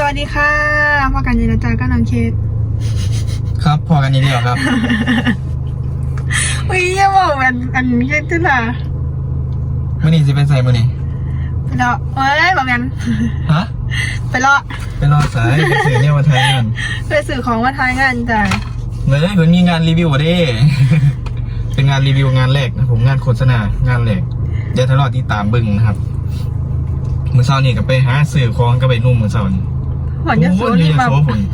วัสดีค่ะพ่อกันยินดีจ้าก็น้องเคสครับพอกันนี้เดียวครับวิ่งยังบอกอันเคสที่ไหนมื่อนี้จะเป็นไงมื่อนี้ไปรอเอ้ยบอกกันฮะไปรอสายไปสื่อเนี่ยมาทายงานไปสื่อของมาทายงานจ้ะเลยมันมีงานรีวิวดิเป็นงานรีวิวงานแรกนะผมงานโฆษณางานแรกเดี๋ยวทะเลาะที่ตามบึงนะครับมือเช้านี่ก็ไปหาสื่อของก็ไปนุ่มมือเช้านี่หอนจะโซ่นี่มา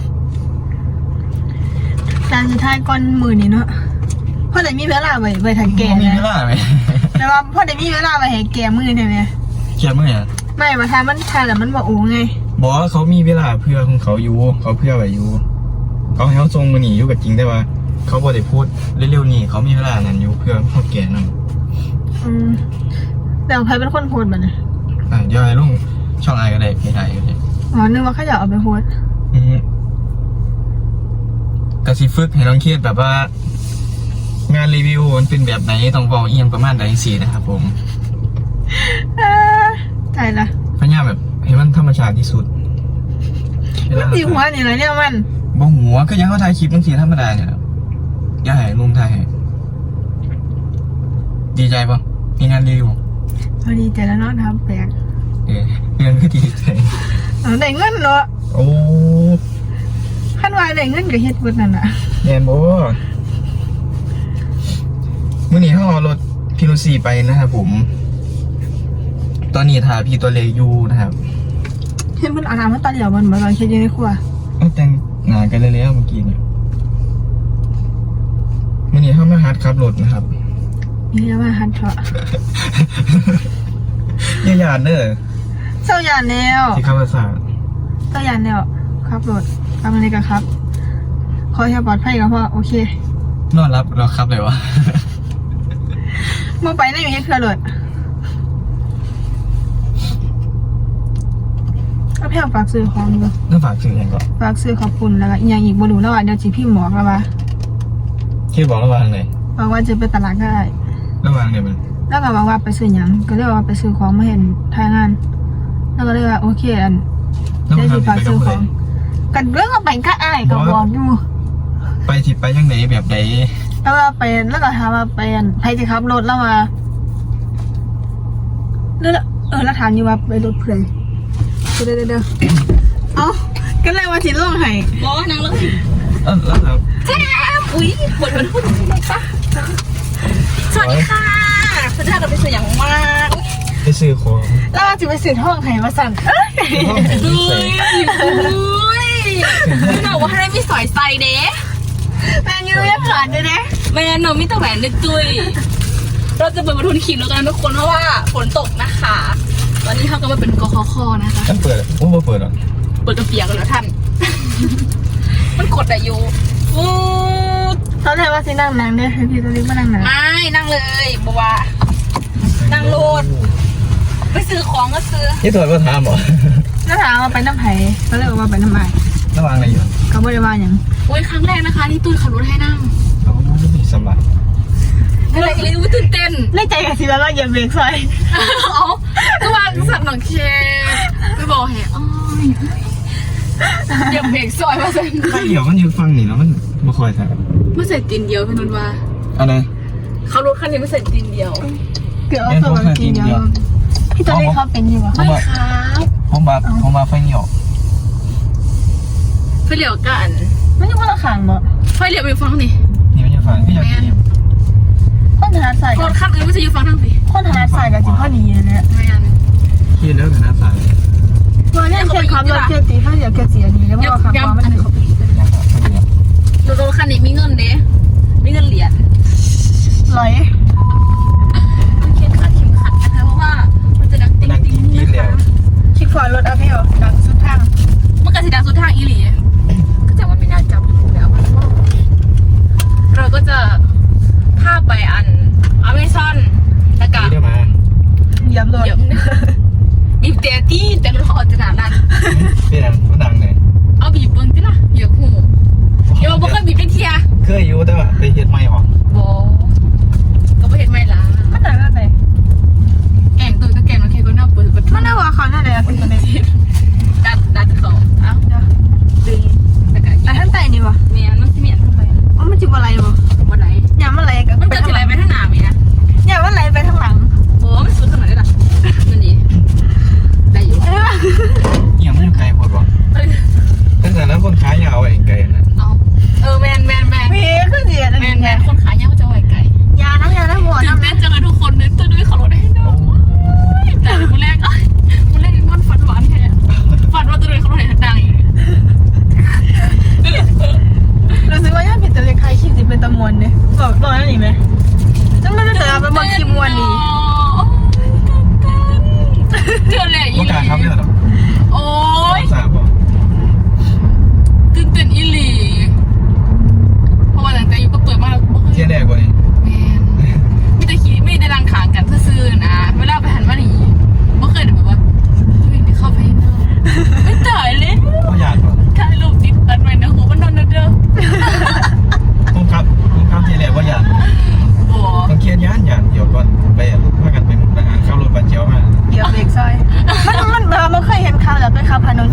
การสุดท้ายก้อนมือนี่เนาะพ่อได้มีเวลาไปถ่ายแกมีเวลาไหมแต่ว่าพ่อได้มีเวลาไปถ่ายแกมือเนี่ยไหมแกมือเนี่ยไม่มาทายมันทายแต่มันบอกโอ้ไงบอกว่าเขามีเวลาเพื่อของเขาอยู่เขาเพื่อไว้อยู่เขาให้เขาทรงมือหนีอยู่กับจริงได้ว่าเขาบอกได้พูดเร็วๆนี่เขามีเวลานั้นอยู่เพื่อเขาแก่นั่นแต่ใครเป็นคนโพสแบบนี้เดี๋ยวไอ้ลุงช่องไอก็ได้ไม่ได้ก็ได้อ๋อนึกว่าเขาอยากเอาไปโพสกระซิฝึกให้น้องเครียดแบบว่างานรีวิวมันเป็นแบบไหนต้องบอกเอียงประมาณไหนสินะครับผมใช่ละพยายามแบบให้มันธรรมชาติที่สุดมันตีหัวนี่อะไรเนี่ยมันบ่หัวก็ยังเขาถ่ายคลิปบางทีธรรมดาเนี่ยครับย่าให้ลุงถ่ายให้ดีใจปะมีงานรีวิวพอดีใจแล้วเนาะทำแปลกเงินก็ดีใจได้เงินเนาะโอ้ขั้นวายได้เงินกับเฮ็ดบุญนั่นน่ะแน่นโบ้มื่อนี้เขาเอารถพิโนซีไปนะครับผมตอนนี้ถ่ายพี่ตัวเล็กอยู่นะครับเห็นมันอาบน้ำมันตาเดียวมันเหมือนเราคิดอยู่ในครัวแต่งหนากันเลยแล้วเมื่อกี้เนี่ยมื่อนี้เขามาฮัดขับรถนะครับนี่เรียกว่าฮัดเถาะอย่าหยาดเด้อเจ้าหยาดแล้วที่ขับภาษาเจ้าหยาดแล้วขับรถทำอะไรกันครับขอให้ปลอดภัยกับพ่อโอเคนอนรับเราขับเลยวะมื่อไปได้อยู่ที่เครือรถก็เพียงฝากซื้อของอยู่ต้องฝากซื้อยังก่อนฝากซื้อขอบคุณแล้วก็อย่างอีกบรูแล้วอ่ะเดี๋ยวจีพี่หมอกแล้ววะคิดบอกระหว่างไหนบอกว่าจะไปตลาดก็ได้ระหว่างไหนมันแล้วก็บอกว่าไปซื้อยังก็เรียกว่าไปซื้อของมาเห็นทายงานแล้วก็เรียกว่าโอเคอันได้จีฝากซื้อของกันเรื่องก็ไปก็อ้ายก็บอกอยู่ไปจิไปยังไหนแบบไหนแล้วว่าไปแล้วก็ถามว่าไปใครจะขับรถแล้วมาแล้วถามอยู่ว่าไปรถเพื่อนเด้อเอ้าก็เลยว่าทิ้งลงให้บอกว่านั่งเลยแล้วครับแจ๊บอุ้ยปวดมันพูดอะไรปะสวัสดีค่ะพระเจ้าเราไปซื้ออย่างมากไปซื้อของแล้วจะไปซื้อท่องไห้มาสั่นพี่บอกว่าให้ไม่สอยไซเด้แมนยูยังผ่านเลยนะแมนโนมิตรแหวนนึกจุยเราจะเปิดประทุนขีดแล้วกันทุกคนเพราะว่าฝนตกนะคะวันนี้เขาก็มาเป็นกคคนะคะท่านเปิดว่าเปิดหรอเปิดกระเปียกกันแล้วท่านมันกดอะอยู่ตอนแรกว่าสินั่งเนี่ยให้พี่ตัวเล็กมานั่งไม่นั่งเลยบัวนั่งโลดไปซื้อของก็ซื้อที่ถอดว่าถามหรอน้าถามว่าไปน้ำไผ่เขาเลยว่าไปน้ำไผ่ระวังอะไรอยู่เขาไม่ได้ว่าอย่างโอ้ยครั้งแรกนะคะที่ตุ้ยขับรถให้นั่งสบายอะไรเลยตื่นเต้นในใจกับสิแล้วเราเหยียบเบรกใส่ก็วางสัตว์หนังเคไปบอกแหอ๋อเหยียบเบรกซอยมาเส้นไม่เดี๋ยวมันยืนฟังนี่แล้วมันมาคอยใส่ไม่ใส่ตีนเดียวพี่นุ่นว่าอะไรเขารถคันนี้ไม่ใส่ตีนเดียวเกือบเอาตัวตีนเดียวพี่ตัวเล็กเขาเป็นอยู่วะไม่ครับผมมาไฟเหนียวไฟเหลียวกันไม่ใช่ว่าละขังบ่ไฟเหลียวไปฟังนี่นี่ไม่ใช่ฟังพี่อยากกินคนถนัดใส่รถคันอื่นไม่ใช่อยู่ฟังทั้งสิคนถนัดใส่กับจิ๋วข้อดีเนี่ยไม่ยันคิดแล้วถนัดใส่ตัวนี้เคยขับรถเคยตีถ้าอยากเคยเสียดีแล้วว่าขับมามันรถคันนี้มีเงินเด้มีเงินเหรียญไหลต้องเข็มขัดนะคะเพราะว่ามันจะดังติ๊งติ๊งนะคะคิดฟอยรถอัพให้เหรอดังสุดทางมันก็จะดังสุดทางอีหลีก็จะว่าไม่น่าจับแล้วเราก็จะข้าไปอันอเมซอนแล้วก็เหยียบรถบีบแต่รถเขาจะหนาดันเป็นอะไรมันดังเลยเอาบีบเบิ้งที่ละเหยียบหูเดี๋ยวบอกเคยบีบเป็นเทียเคยอยู่แต่ว่าไปเฮ็ดไม่ออกโบก็ไปเฮ็ดไม่ละมันดังอะไรแก่งตัวก็แก่งโอเคก็น่าเปิดมันน่าว่าเขาน่าเลยตัวเล็ก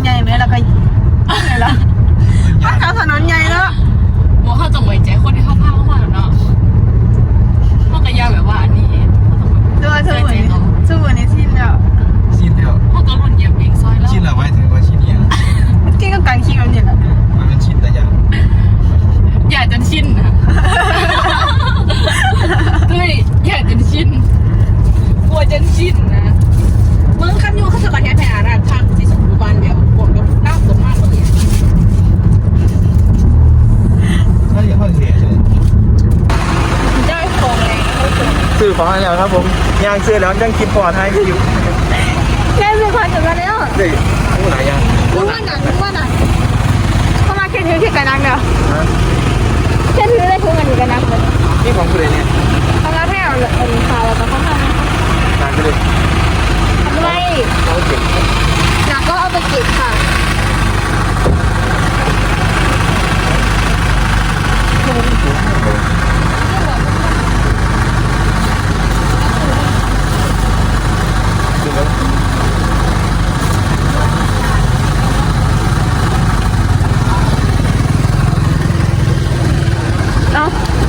ใหญ่ไหมแล้วก็ไงล่ะมันทางถนนใหญ่เนาะบอกเขาจะไว้ใจคนที่เขาพาเข้ามาแล้วเนาะมันก็ยากแบบว่าอันนี้ด้วยสมุนนี่สิ้นแล้วชินแล้วเขาก็รุ่นเหยียบเองซอยแล้วชินแล้วไว้ถึงว่าชินยังที่ก็การขี่แบบนี้แหละมันเป็นชินแต่อย่างอย่าจนชินนะเฮ้ยอย่าจนชินกลัวจนชินนะมึงคันยูเขาจะกระแทกแผลนะทางที่สมบูรณ์แบบปวดกับก้าวตกมากเลยถ้าอย่างข้อเสียเลยได้ฟองแรงเขาเกิดซื้อของอะไรแล้วครับผมยางซื้อแล้วยังคิดพอท้ายอยู่แค่ซื้อความถึงมาแล้วเฮ้ยผู้หลายอย่างรู้ว่าหนังเข้ามาแค่ถือที่กระนังเดียวฮะแค่ถือได้ทุกอันอยู่กระนังเลยนี่ของคุณเลยเนี่ยทำแล้วแค่เอาข่าวแล้วก็เข้ามาทานไปเลยทำไรเขาเก็บหนักก็เอาไปเก็บค่ะเอา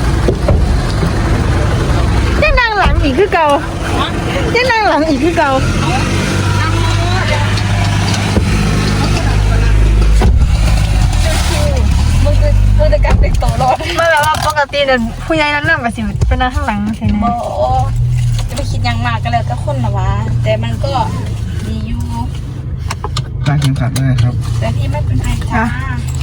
จะนั่งหลังอีกคือเก่าจะนั่งหลังอีกคือเก่ามึงจะกลับไปโตรอดเมื่อแบบว่าปกติเดินผู้ใหญ่นั่งแบบสิเป็นนั่งข้างหลังใช่ไหมโบจะไปคิดยังมากก็แล้วก็คนละวะแต่มันก็ดีอยู่กางเข็มขัดด้วยครับแต่พี่ไม่เป็นไรจ้า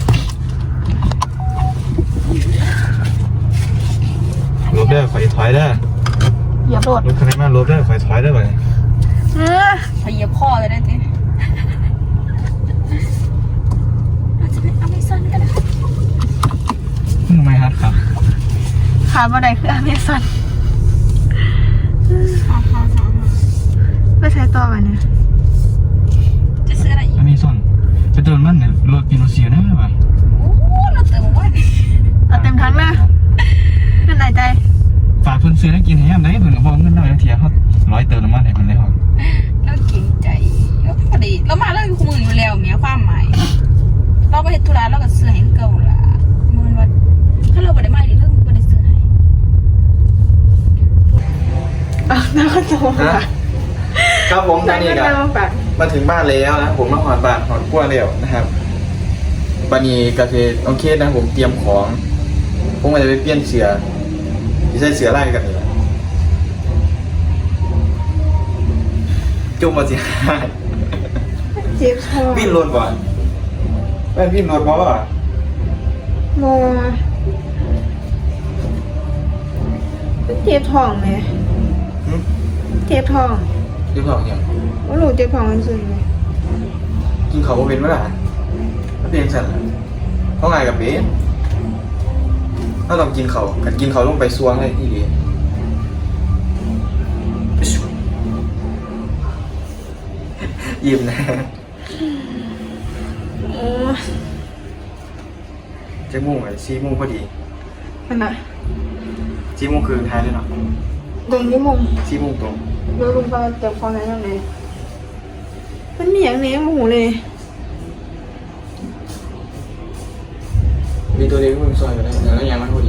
ลบได้ไฟถอยได้อย่าโดดรถคันนี้มาลบได้ไฟถอยได้ไหมพยเหยียบพ่อเลยได้ทีอาจจะเป็นอเมซอนก็ได้ทำไมฮัทครับขาบันไดคืออเมซอนสามไม่ใช้ต่อไปเนี่ยจะซื้ออะไรอีกอเมซอนไปเติมมันเนี่ยรถกินรถเสียได้ไหมโอ้เราเติมวันเอาเต็มทั้งนะขึ้นไหนใจฝากเพิ่นซื้อได้กินแฮมได้เพิ่นก็บอกเงินได้เทียเขา100เติมน้ำมันให้เพิ่นเลยครับเราเก่งใจแล้วพอดีเรามาเรื่องคู่มืออยู่แล้วเมียความหมายเราไปเห็นธุระเราก็ซื้อให้เก่าละมือว่าถ้าเราไม่ได้มาดีเรื่องไม่ได้ซื้อให้น่าก็โตครับผมตอนนี้ก็มาฝากมาถึงบ้านแล้วนะผมมาหอดบ้านหอดกล้วยแล้วนะครับวันนี้ก็คือโอเคนะผมเตรียมของผมก็จะไปเปลี่ยนเสือที่ใส่เสือไล่กันนี่แหละจุ่มมาสิเจ็บคอวิ่งรถบ่อนแม่นวิ่งรถบ่อ่ะโมเจ็บท้องไหมหึเจ็บท้องเดี๋ยวบอกอย่างว่าหนูเจ็บท้องมันสุดไหมกินเขาบ่เป็นเมื่อไหร่ถ้าเป็นสั่นล่ะเพราะไงกับเป็นถ้าต้องกินเขากันกินเขาลงไปซวงเลยที่ดียิ้มนะโอ้เจ็ดโมงไอ้4 โมงพอดีขนาด 4 โมงคือท้ายเลยเนาะตรงนี้มง 4 โมงตรงแล้วลุงก็เจ็บคอไหนยังไงมันมีอย่างนี้หมูเลยมีตัวเล็กมึงซอยกันได้แล้วยังมันพอดี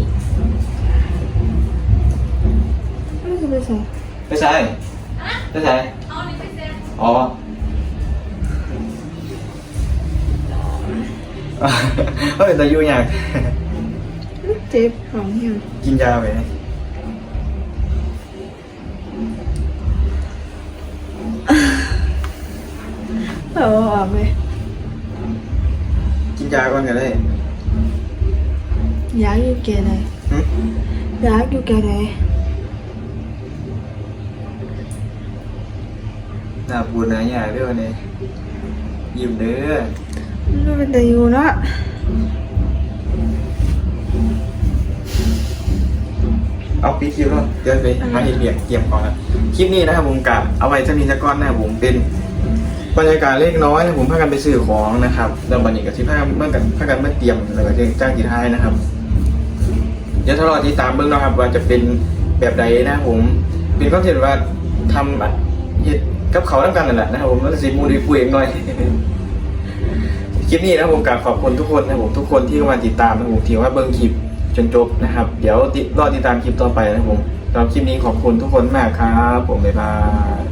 ไม่จะไปใส่ไม่ใช่ไม่ใช่อ๋อ เฮ้ยแต่อยู่อย่างเจ็บท้องยังกินยาไปออกเลยกินยาก่อนก็ได้อยากอยู่แก่ไหนหึอยากอยู่แก่ไหนหน้าปูนหน้าใหญ่เด้อเนี่ยยิ้มเด้อมันเป็นแต่อยู่เนาะเอาปีคิวแล้วเดี๋ยวไปหาเหตุเบียกเตรียมก่อนนะคลิปนี้นะครับผมกะเอาไว้จะมีสักก้อนนะครับผมเป็นบรรยากาศเล็กน้อยนะผมพากันไปซื้อของนะครับแล้ววันนี้ก็ที่พากันเมื่อกันพากันเมื่อเตรียมแล้วก็จ้างกีท้ายนะครับเดี๋ยวถ้ารอติดตามเบื้องนะครับว่าจะเป็นแบบใดนะผมเป็นคอนเทนต์ว่าทำเห็ดกับเขาทำกันนั่นแหละนะครับผมแล้วสิมูดีคุยเองหน่อยคลิปนี้นะผมกราบขอบคุณทุกคนนะผมทุกคนที่เข้ามาติดตามนะผมที่ว่าเบิ่งคลิปจนจบนะครับเดี๋ยวรอติดตามคลิปต่อไปนะผมสำหรับคลิปนี้ขอบคุณทุกคนมากครับผมบ๊ายบาย